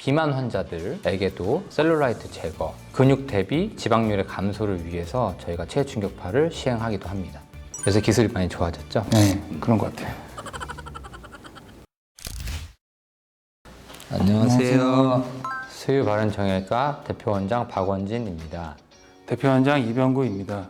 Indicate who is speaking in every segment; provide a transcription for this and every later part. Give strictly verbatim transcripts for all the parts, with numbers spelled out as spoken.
Speaker 1: 비만 환자들에게도 셀룰라이트 제거, 근육 대비 지방률의 감소를 위해서 저희가 체해 충격파를 시행하기도 합니다. 그래서 기술이 많이 좋아졌죠?
Speaker 2: 네, 그런 것 같아요.
Speaker 1: 안녕하세요. 수유바른정형외과 대표원장 박원진입니다.
Speaker 2: 대표원장 이병구입니다.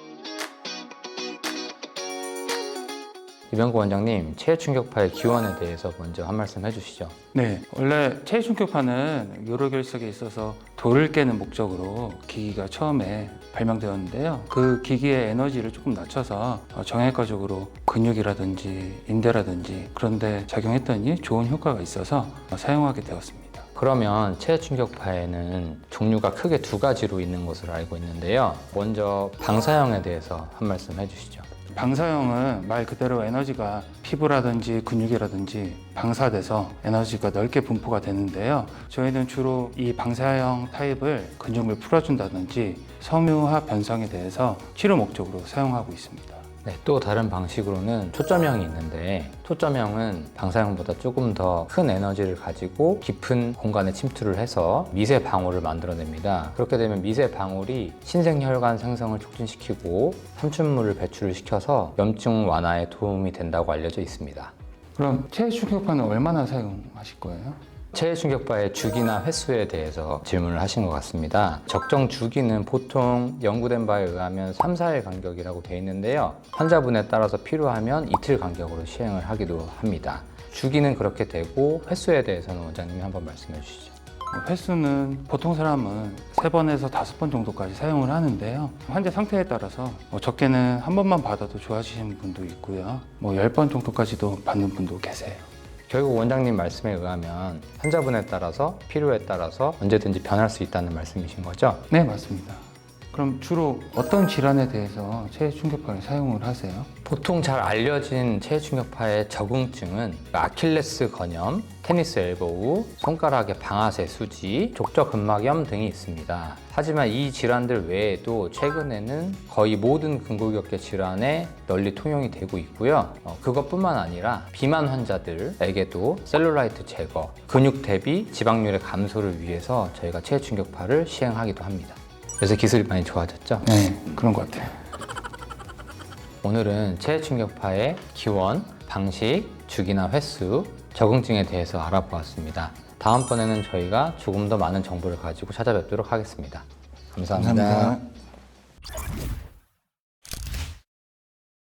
Speaker 1: 이병구 원장님, 체해 충격파의 기원에 대해서 먼저 한 말씀 해주시죠.
Speaker 2: 네, 원래 체해 충격파는 요로결석에 있어서 돌을 깨는 목적으로 기기가 처음에 발명되었는데요. 그 기기의 에너지를 조금 낮춰서 정형외과적으로 근육이라든지 인대라든지 그런 데 작용했더니 좋은 효과가 있어서 사용하게 되었습니다.
Speaker 1: 그러면 체해 충격파에는 종류가 크게 두 가지로 있는 것으로 알고 있는데요. 먼저 방사형에 대해서 한 말씀 해주시죠.
Speaker 2: 방사형은 말 그대로 에너지가 피부라든지 근육이라든지 방사돼서 에너지가 넓게 분포가 되는데요. 저희는 주로 이 방사형 타입을 근육을 풀어준다든지 섬유화 변성에 대해서 치료 목적으로 사용하고 있습니다.
Speaker 1: 네, 또 다른 방식으로는 초점형이 있는데 초점형은 방사형보다 조금 더 큰 에너지를 가지고 깊은 공간에 침투를 해서 미세 방울을 만들어냅니다. 그렇게 되면 미세 방울이 신생혈관 생성을 촉진시키고 삼춘물을 배출을 시켜서 염증 완화에 도움이 된다고 알려져 있습니다.
Speaker 2: 그럼 체해 충격파는 얼마나 사용하실 거예요?
Speaker 1: 체해 충격파의 주기나 횟수에 대해서 질문을 하신 것 같습니다. 적정 주기는 보통 연구된 바에 의하면 삼, 사 일 간격이라고 되어 있는데요. 환자분에 따라서 필요하면 이틀 간격으로 시행을 하기도 합니다. 주기는 그렇게 되고 횟수에 대해서는 원장님이 한번 말씀해 주시죠.
Speaker 2: 횟수는 보통 사람은 세 번에서 다섯 번 정도까지 사용을 하는데요. 환자 상태에 따라서 뭐 적게는 한 번만 받아도 좋아지시는 분도 있고요. 뭐 열 번 정도까지도 받는 분도 계세요.
Speaker 1: 결국 원장님 말씀에 의하면 환자분에 따라서 필요에 따라서 언제든지 변할 수 있다는 말씀이신 거죠?
Speaker 2: 네, 맞습니다. 그럼 주로 어떤 질환에 대해서 체해 충격파를 사용을 하세요?
Speaker 1: 보통 잘 알려진 체해 충격파의 적응증은 아킬레스 건염, 테니스 엘보우, 손가락의 방아쇠 수지, 족저근막염 등이 있습니다. 하지만 이 질환들 외에도 최근에는 거의 모든 근골격계 질환에 널리 통용이 되고 있고요. 어, 그것뿐만 아니라 비만 환자들에게도 셀룰라이트 제거, 근육 대비 지방률의 감소를 위해서 저희가 체해 충격파를 시행하기도 합니다. 그래서 기술이 많이 좋아졌죠?
Speaker 2: 네, 그런 것 같아요.
Speaker 1: 오늘은 체해 충격파의 기원, 방식, 주기나 횟수, 적응증에 대해서 알아보았습니다. 다음번에는 저희가 조금 더 많은 정보를 가지고 찾아뵙도록 하겠습니다. 감사합니다.
Speaker 2: 감사합니다.